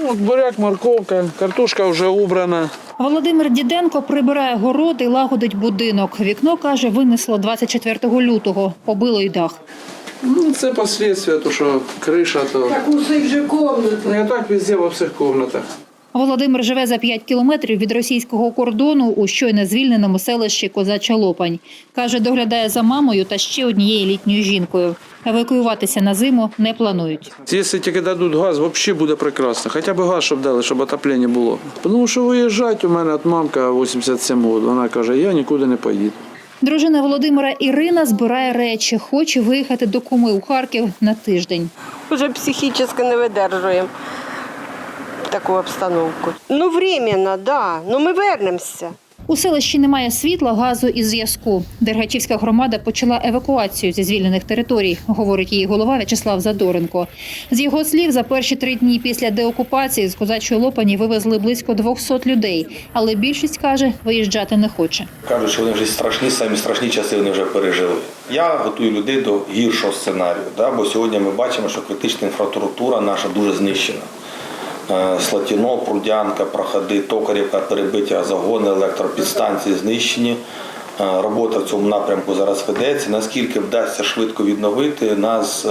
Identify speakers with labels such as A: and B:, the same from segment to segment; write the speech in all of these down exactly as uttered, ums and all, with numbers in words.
A: От буряк, морковка, картошка вже убрана.
B: Володимир Діденко прибирає город і лагодить будинок. Вікно, каже, винесло двадцять четвертого лютого, побило й дах.
A: Ну, це послідствия, то що криша, то...
C: Так усе вже комната.
A: Не так везде, во всіх кімнатах.
B: Володимир живе за п'ять кілометрів від російського кордону у щойно звільненому селищі Козача Лопань. Каже, доглядає за мамою та ще однією літньою жінкою. Евакуюватися на зиму не планують.
A: Якщо тільки дадуть газ, взагалі буде прекрасно. Хоча б газ, щоб дали, щоб отоплення було. Тому що виїжджати у мене от мамка вісімдесят сім років. Вона каже, я нікуди не поїду.
B: Дружина Володимира Ірина збирає речі. Хоче виїхати до куми у Харків на тиждень.
C: Вже психічно не видержуємо таку обстановку. Ну, временно, да. Ну, ми вернемося.
B: У селищі немає світла, газу і зв'язку. Дергачівська громада почала евакуацію зі звільнених територій, говорить її голова В'ячеслав Задоренко. З його слів, за перші три дні після деокупації з Козачої Лопані вивезли близько двохсот людей. Але більшість, каже, виїжджати не хоче.
D: Кажуть, що вони вже страшні, самі страшні часи вони вже пережили. Я готую людей до гіршого сценарію, да? Бо сьогодні ми бачимо, що критична інфраструктура наша дуже знищена. Слатіно, Прудянка, Проходи, Токарівка, перебиті загони, електропідстанції знищені. Робота в цьому напрямку зараз ведеться. Наскільки вдасться швидко відновити, нас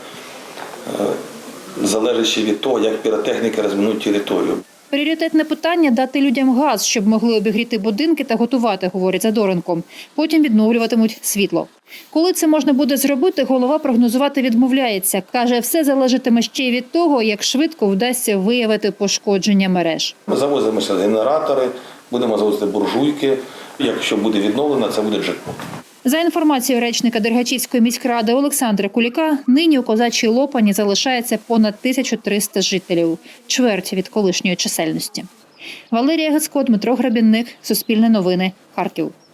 D: залежить від того, як піротехніки розмінують територію.
B: Пріоритетне питання – дати людям газ, щоб могли обігріти будинки та готувати, говорить Задоренко. Потім відновлюватимуть світло. Коли це можна буде зробити, голова прогнозувати відмовляється. Каже, все залежатиме ще й від того, як швидко вдасться виявити пошкодження мереж.
D: Ми завозимо ще генератори, будемо завозити буржуйки. Якщо буде відновлено, це буде джекпот.
B: За інформацією речника Дергачівської міськради Олександра Куліка, нині у Козачій Лопані залишається понад тисячу триста жителів, чверть від колишньої чисельності. Валерія Гецько, Дмитро Грабінник, Суспільне новини, Харків.